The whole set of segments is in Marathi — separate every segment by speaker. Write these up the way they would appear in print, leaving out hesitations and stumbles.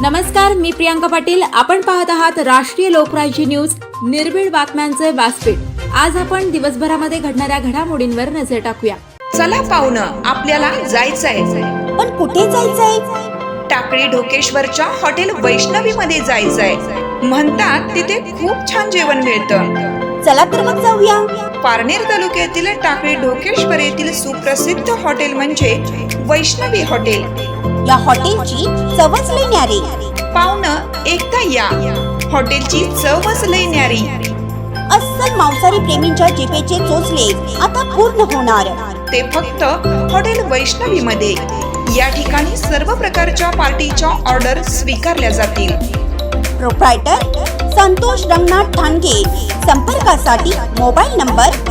Speaker 1: नमस्कार, मी प्रियांका पाटील. आपण पाहत आहात राष्ट्रीय लोकराज्य न्यूज, निर्भीड बातम्यांचे व्यासपीठ. आज आपण दिवसभरामध्ये घडणाऱ्या घडामोडींवर नजर टाकूया.
Speaker 2: चला पाहुणं, आपल्याला जायचंय.
Speaker 3: पण कुठे जायचंय?
Speaker 2: टाकळी ढोकेश्वरच्या हॉटेल वैष्णवी मध्ये जायचंय. म्हणतात तिथे खूप छान जेवण मिळतं.
Speaker 3: चला तर मग जाऊया.
Speaker 2: पारनेर तालुक्यातील टाकळी ढोकेश्वर येथील सुप्रसिद्ध हॉटेल म्हणजे वैष्णवी हॉटेल.
Speaker 3: या हॉटेलची चवच लई न्यारी.
Speaker 2: पाहुणं, एकदा या. हॉटेलची चवच लई न्यारी.
Speaker 3: अस्सल मांसाहारी प्रेमींच्या जिभेचे चोचले आता पूर्ण होणार.
Speaker 2: ते फक्त हॉटेल वैष्णवी मध्ये. या ठिकाणी सर्व प्रकारच्या पार्टीच्या ऑर्डर स्वीकारल्या जातील.
Speaker 3: प्रोप्रायटर संतोष रंगनाथ ठाणगे. संपर्कासाठी मोबाईल नंबर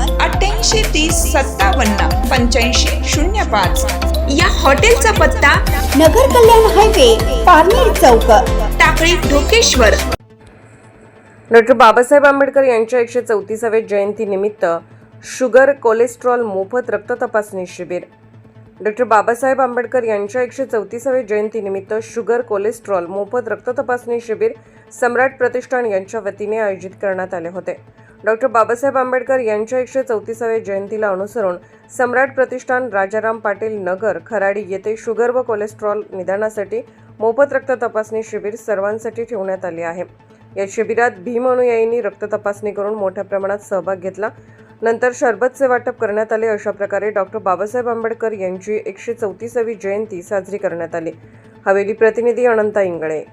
Speaker 2: 8830578505. या हॉटेलचा पत्ता
Speaker 3: नगर कल्याण हायवे, पारनेर चौक,
Speaker 2: टाकळी ढोकेश्वर.
Speaker 4: डॉक्टर बाबासाहेब आंबेडकर यांच्या 134व्या जयंतीनिमित्त शुगर कोलेस्ट्रॉल मोफत रक्त तपासणी शिबिर. डॉक्टर बाबासाहेब आंबेडकर यांच्या 134व्या जयंतीनिमित्त शुगर कोलेस्ट्रॉल मोफत रक्त तपासणी शिबिर सम्राट प्रतिष्ठान यांच्या वतीने आयोजित करण्यात आले होते. डॉक्टर बाबासाहेब आंबेडकर यांच्या 134व्या जयंतीला अनुसरून सम्राट प्रतिष्ठान, राजाराम पाटील नगर, खराडी येथे शुगर व कोलेस्ट्रॉल निदानासाठी मोफत रक्त तपासणी शिबिर सर्वांसाठी ठेवण्यात आले आहे. या शिबिरात भीम अनुयायींनी रक्त तपासणी करून मोठ्या प्रमाणात सहभाग घेतला. नंतर शरबतचे वाटप करण्यात आले. अशा प्रकारे डॉक्टर बाबासाहेब आंबेडकर यांची 134वी जयंती साजरी करण्यात आली. हवेली प्रतिनिधी अनंता इंगळे.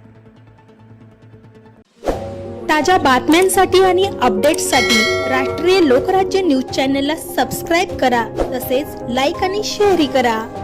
Speaker 5: ताज्या बातम्यांसाठी आणि अपडेट्ससाठी राष्ट्रीय लोकराज्य न्यूज चॅनलला सबस्क्राईब करा. तसेच लाईक आणि शेअरही करा.